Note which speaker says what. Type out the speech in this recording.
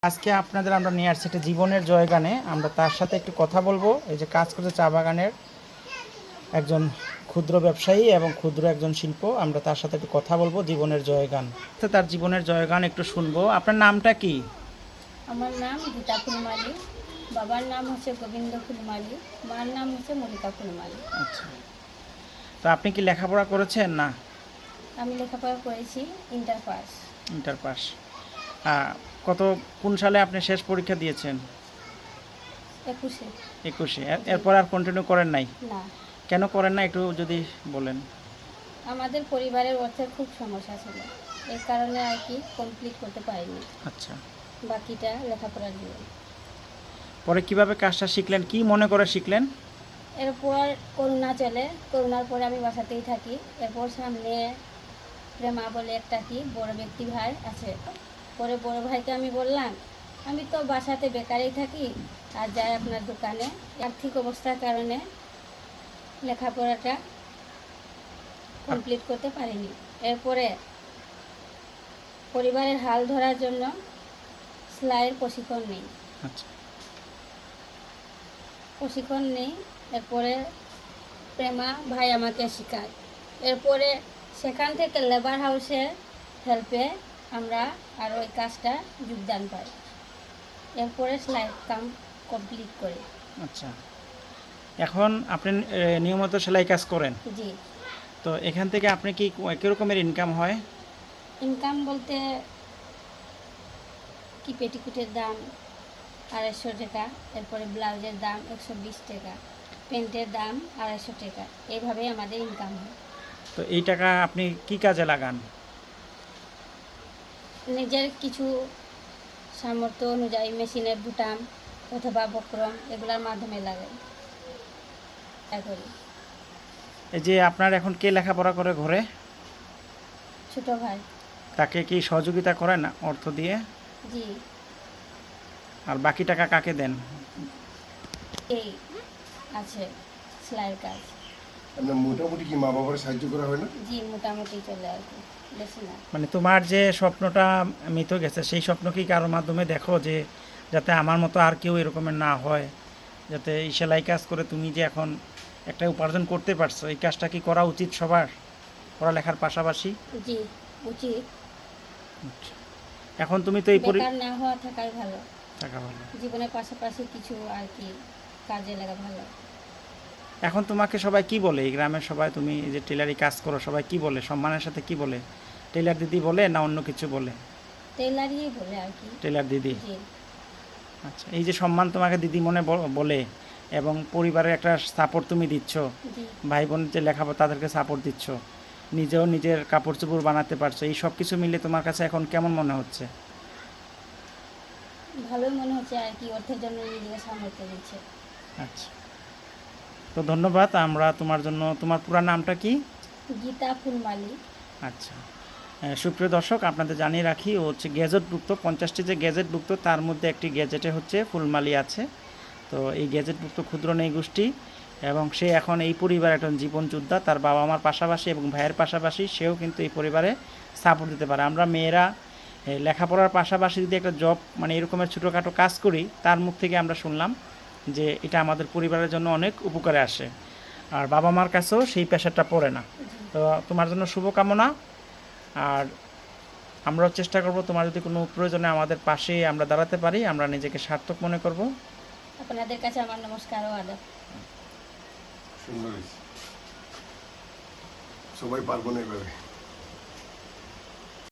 Speaker 1: আজকে আপনাদের আমরা নিয়ে আসছি একটা জীবনের জয়গানে। আমরা তার সাথে একটু কথা বলবো। এই যে কাজ করছে চা বাগানের একজন ক্ষুদ্র ব্যবসায়ী এবং ক্ষুদ্র একজন শিল্প। আমরা তার সাথে একটু কথা বলবো জীবনের জয়গান। তো তার জীবনের জয়গান একটু শুনবো। আপনার নামটা কি?
Speaker 2: আমার নাম গীতা ফুলমালী। বাবার নাম হচ্ছে গোবিন্দ ফুলমালী, মার নাম হচ্ছে মল্লিকা ফুলমালী।
Speaker 1: আচ্ছা, তো আপনি কি লেখাপড়া করেছেন? না,
Speaker 2: আমি লেখাপড়া করেছি ইন্টার পাস।
Speaker 1: Inter pass. কত কোন সালে আপনি শেষ পরীক্ষা দিয়েছেন?
Speaker 2: 21-এ।
Speaker 1: 21-এ। এরপর আর কন্টিনিউ করেন নাই?
Speaker 2: না,
Speaker 1: কেন করেন না একটু যদি বলেন।
Speaker 2: আমাদের পরিবারের অর্থের খুব সমস্যা ছিল, এই কারণে আর কি কমপ্লিট করতে পারিনি।
Speaker 1: আচ্ছা,
Speaker 2: বাকিটা লেখাপড়ার জন্য।
Speaker 1: পরে কিভাবে কাজটা শিখলেন, কি মনে করে শিখলেন?
Speaker 2: এরপর করোনা চলে, করোনার পরে আমি বাসাতেই থাকি। এরপর সামনে প্রেমা বলে একটা কি বড় ব্যক্তি ভাই আছে। পরে বড় ভাইকে আমি বললাম, আমি তো বাসাতে বেকারই থাকি আর যাই আপনার দোকানে। আর্থিক অবস্থার কারণে লেখাপড়াটা কমপ্লিট করতে পারিনি। এরপরে পরিবারের হাল ধরার জন্য সেলাইয়ের প্রশিক্ষণ নেই।
Speaker 1: আচ্ছা,
Speaker 2: প্রশিক্ষণ নেই। এরপরে প্রেমা ভাই আমাকে শেখায়। এরপরে সেখান থেকে লেবার হাউসের হেল্পে আমরা আর ওই কাজটা যোগদান পাই। এরপরে সেলাই কাম কমপ্লিট করি।
Speaker 1: আচ্ছা, এখন আপনি নিয়মিত সেলাই কাজ করেন?
Speaker 2: জি।
Speaker 1: তো এখান থেকে আপনি কি কীরকমের ইনকাম হয়?
Speaker 2: ইনকাম বলতে কি পেটিকুটের দাম 250 টাকা, এরপরে ব্লাউজের দাম 120 টাকা, প্যান্টের দাম 250 টাকা, এইভাবেই আমাদের ইনকাম হয়।
Speaker 1: তো এই টাকা আপনি কি কাজে লাগান?
Speaker 2: নিজের কিছু সামর্থ্য অনুযায়ী মেশিনের বুটাম অথবা বক্রম এগুলোর মাধ্যমে লাগাই করি।
Speaker 1: এই যে আপনার এখন কে লেখাপড়া করে ঘরে?
Speaker 2: ছোট ভাই।
Speaker 1: তাকে কি সহযোগিতা করেন অর্থ দিয়ে?
Speaker 2: জি।
Speaker 1: আর বাকি টাকা কাকে দেন?
Speaker 2: এই আছে সেলাইয়ের কাজ।
Speaker 3: আপনার মোটামুটি কি মা বাবার সাহায্য করা হয় না?
Speaker 2: জি, মোটামুটি চলে আর কি, বেশি না।
Speaker 1: মানে তোমার যে স্বপ্নটা মিথ গেছে, সেই স্বপ্ন কি কারোর মাধ্যমে দেখো যে যাতে আমার মতো আর কেউ এরকমের না হয়, যাতে এই সেলাই কাজ করে তুমি যে এখন একটা উপার্জন করতে পারছো, এই কাজটা কি করা উচিত সবার পড়ালেখার পাশাপাশি?
Speaker 2: জি, উচিত।
Speaker 1: এখন তুমি তো এই
Speaker 2: বেকার না হওয়া থাকাই ভালো।
Speaker 1: টাকা ভালো।
Speaker 2: জীবনের পাশাপাশি কিছু আর কি কাজে লাগা ভালো।
Speaker 1: এখন তোমাকে সবাই কি বলে, এই গ্রামের সবাই, তুমি যে টেলারি কাজ করো, সবাই কি বলে, সম্মানের সাথে কি বলে? টেলার দিদি বলে না অন্য কিছু বলে?
Speaker 2: টেলারই বলে আর কি।
Speaker 1: টেলার দিদি।
Speaker 2: জি।
Speaker 1: আচ্ছা, এই যে সম্মান তোমাকে দিদি মনে বলে এবং পরিবারের একটা সাপোর্ট তুমি দিচ্ছ,
Speaker 2: জি।
Speaker 1: ভাই বোন যে লেখাপড়া তাদেরকে সাপোর্ট দিচ্ছ, নিজেও নিজের কাপড় চোপড় বানাতে পারছো, এই সব কিছু মিলে তোমার কাছে এখন কেমন মনে হচ্ছে?
Speaker 2: ভালোই মনে হচ্ছে আর কি, অর্থের জন্য নিজেকে সামর্থ্য দিচ্ছে।
Speaker 1: আচ্ছা, তো ধন্যবাদ। আমরা তোমার জন্য, তোমার পুরো নামটা কি?
Speaker 2: গীতা ফুলমালী।
Speaker 1: আচ্ছা, সুপ্রিয় দর্শক, আপনাদের জানিয়ে রাখি, ও হচ্ছে গ্যাজেটভুক্ত 50টি যে গ্যাজেটভুক্ত তার মধ্যে একটি গ্যাজেটে হচ্ছে ফুলমালী আছে। তো এই গ্যাজেটভুক্ত ক্ষুদ্র নেই গোষ্ঠী, এবং সে এখন এই পরিবারের একজন জীবন যোদ্ধা। তার বাবা মার পাশাপাশি এবং ভাইয়ের পাশাপাশি সেও কিন্তু এই পরিবারে সাপোর্ট দিতে পারে। আমরা মেয়েরা লেখাপড়ার পাশাপাশি যদি একটা জব, মানে এরকমের ছোটোখাটো কাজ করি, তার মুখ থেকে আমরা শুনলাম যে এটা আমাদের পরিবারের জন্য অনেক উপকারে আসে, আর বাবা মার কাছেও সেই প্রেশারটা পড়ে না। তো তোমার জন্য শুভকামনা। আর আমরাও চেষ্টা করব তোমার যদি কোনো প্রয়োজনে আমাদের পাশে আমরা দাঁড়াতে পারি, আমরা নিজেকে সার্থক মনে করব।
Speaker 2: আপনাদের কাছে আমার নমস্কার ও আদাব।
Speaker 3: সুন্দর হয়েছে। সবাই পারবো না এভাবে।